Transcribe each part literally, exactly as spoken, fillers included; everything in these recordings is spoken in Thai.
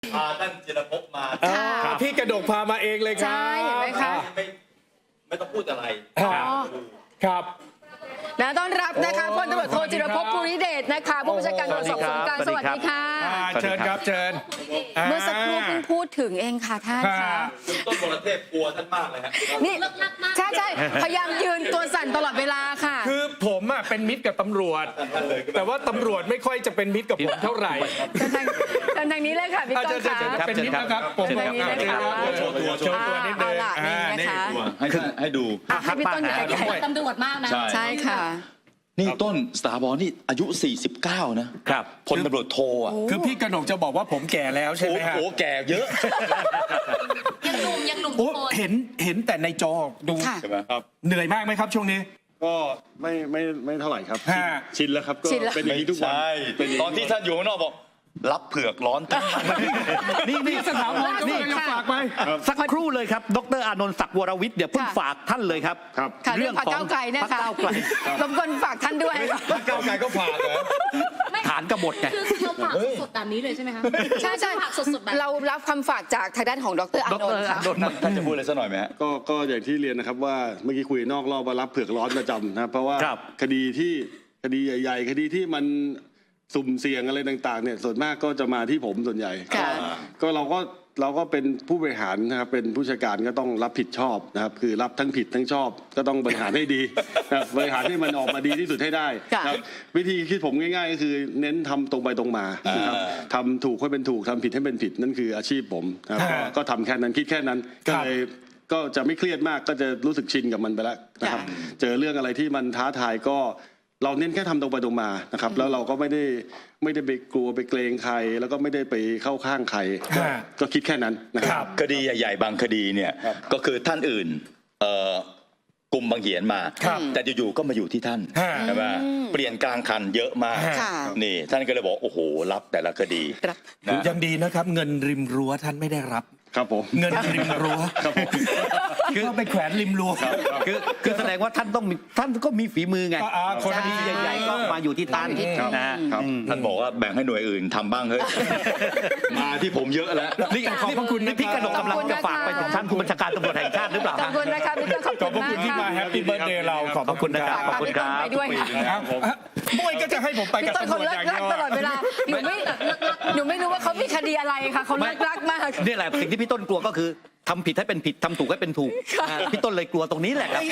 พาท่านจิรภพมาพี่กระดกพามาเองเลยครับใช่เห็นไหมคะไม่ไม่ต้องพูดอะไรครับนะต้อนรับนะคะพลตำรวจโทจิรภพ ภูริเดชนะคะผู้บัญชาการตำรวจสอบสวนกลางสวัสดีค่ะเชิญครับเชิญเมื่อสักครู่เพิ่งพูดถึงเองค่ะท่านคะต้นบรเทพกลัวท่านมากเลยฮะนี่ใช่ใช่พยายามยืนตัวสั่นตลอดเวลาค่ะคือผมอ่ะเป็นมิตรกับตำรวจ แต่ว่าตำรวจไม่ค่อยจะเป็นมิตรกับผมเท่าไหร่ทางทางนี้เลยค่ะพี่ต้นค่ะเป็นมิตรนะครับผมทางนี้เลยค่ะโชว์ตัวโชว์ตัวนิดนึงเอาล่ะนี่นะคะให้ให้ดูอ่ะให้พี่ต้นใหญ่ใหญ่ตำรวจมากนะใช่ค่ะนี่ต้นสตาร์บอลนี่อายุสี่สิบเก้านะครับพลตำรวจโทอ่ะคือพี่กระหนกจะบอกว่าผมแก่แล้วใช่ไหมฮะโอ้โหแก่เยอะยังหนุ่มยังหนุ่มโอ้โคนเห็นเห็นแต่ในจอดูค่ะใช่ไหมครับเหนื่อยมากไหมครับช่วงนี้ก็ไม่ไม่ไม่เท่าไหร่ครับฮะชินแล้วครับก็ชินแล้วเป็นอย่างนี้ทุกวันใช่เป็นอย่างตอนที่ท่านอยู่ข้างนอกบอกรับเผือกร้อนตั้งนี่นี่สถาบันก็เลยฝากไปสักครู่เลยครับดรอานนท์ศักดิ์วรวิทย์เดี๋ยวเพิ่งค่ะฝากท่านเลยครับครับค่ะเรื่องพรรคก้าวไกลเนะคะพรรคก้าวไกลรบกวนฝากท่านด้วยก้าวไกลก็ฝากเหรอฐานกบฏไงคือเราฝากสดๆแบบนี้เลยใช่ไหมคะใช่ใช่ฝากสดๆแบบเรารับคำฝากจากทางด้านของดรอานนท์ค่ะดรอานนท์ท่านจะพูดอะไรสักหน่อยไหมฮะก็ก็อย่างที่เรียนนะครับว่าเมื่อกี้คุยนอกรอบว่ารับเผือกร้อนประจำนะครับเพราะว่าครับคดีที่คดีใหญ่ ๆ คดีที่มันสุ่มเสี่ยงอะไรต่างๆเนี่ยส่วนมากก็จะมาที่ผมส่วนใหญ่ค่ะก็เราก็เราก็เป็นผู้บริหารนะครับเป็นผู้จัดการก็ต้องรับผิดชอบนะครับคือรับทั้งผิดทั้งชอบ ก็ต้องบริหารให้ดีนะครับบริหารให้มันออกมาดีที่สุดให้ได้ค่ะนะครับวิธีคิดผมง่ายๆก็คือเน้นทำตรงไปตรงมานะครับทำถูกให้เป็นถูกทำผิดให้เป็นผิดนั่นคืออาชีพผมนะครับก็ก็ทำแค่นั้นคิดแค่นั้นก็เลยก็จะไม่เครียดมากก็จะรู้สึกชินกับมันไปแล้วนะครับ เจอเรื่องอะไรที่มันท้าทายก็เราเน้นแค่ทำตรงไปตรงมานะครับแล้วเราก็ไม่ได้ไม่ได้ไปกลัวไปเกรงใคร แล้วก็ไม่ได้ไปเข้าข้างใครก็ฮะก็คิดแค่นั้นนะครับคดีใหญ่ๆบางคดีเนี่ยก็คือท่านอื่นเอ่อกลุ่มบางเหียนมาครับแต่อยู่ๆก็มาอยู่ที่ท่านฮะใช่ไหมเปลี่ยนกลางคันเยอะมากค่ะนี่ท่านก็เลยบอกโอ้โหรับแต่ละคดีรับนะยังดีนะครับ เงินริมรั้วท่านไม่ได้รับครับผมเงินริมรั้วคือเอาไปแขวนริมรั้วคือคือแสดงว่าท่านต้องมีท่านก็มีฝีมือไงอ่าคนคดีใหญ่ๆก็มาอยู่ที่ท่านครับนะฮะครับท่านบอกว่าแบ่งให้หน่วยอื่นทำบ้างเฮ้ย มาที่ผมเยอะแล้วนี่ขอบพระคุณนี่พี่กระดกกำลังจะฝากไปถึงท่านผู้บัญชาการตำรวจแห่งชาติหรือเปล่าขอบคุณนะคะพี่ต้นขอบขอบพคุระณคุณที่มากมาค่ะแฮปปี้เบิร์ดเดย์เราขอบพระคุณนะคฝารับกพี่ต้นไปด้วยค่ะครับบุ้ยก็จะให้ผมไปพี่กับต้นตำรเขาวจเลิอก ย่างลัเดียวกตลอดเวลาหนูไม่หนูไม่รู้ว่าเขามีคดีอะไรค่ะเขาเลิกลักมากนี่แหละสิ่งที่พี่ต้นกลัวก็คือทำผิดให้เป็นผิดทำถูกให้เป็นถูกอ่าพี่ต้นเลยกลัวตรงนี้แหละครับ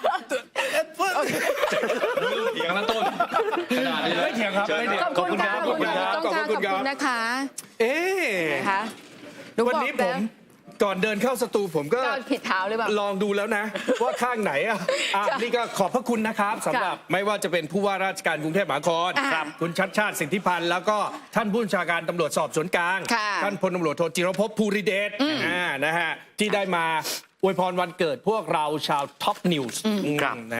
เถียงแล้วต้นขนาดนี้เลยไม่เถียงครับไม่เถียงขอบคุณค่ะขอบคุณครับขอบคุณค่ะขอบคุณครับขอบคุณนะคะเอ๊ะนะคะหนูวันบอกนี้ผแล้วมก่อนเดินเข้าสตูผมก็ก้าวผิดเท้าหรือเปล่าลองดูแล้วนะ ว่าข้างไหนอ่ะอ่ะค่ะนี่ก็ขอบพระคุณนะครับสำหรับไม่ว่าจะเป็นผู้ว่าราชการกรุงเทพมหานครอ่าครับคุณชัดชาติสิทธิพันธ์แล้วก็ท่านผู้บัญชาการตำรวจสอบสวนกลางค่ะท่านพลตำรวจโทจิรภพ ภูริเดชอ่านะฮะที่ได้มาอวยพรวันเกิดพวกเราชาวท็อปนิวส์ครับ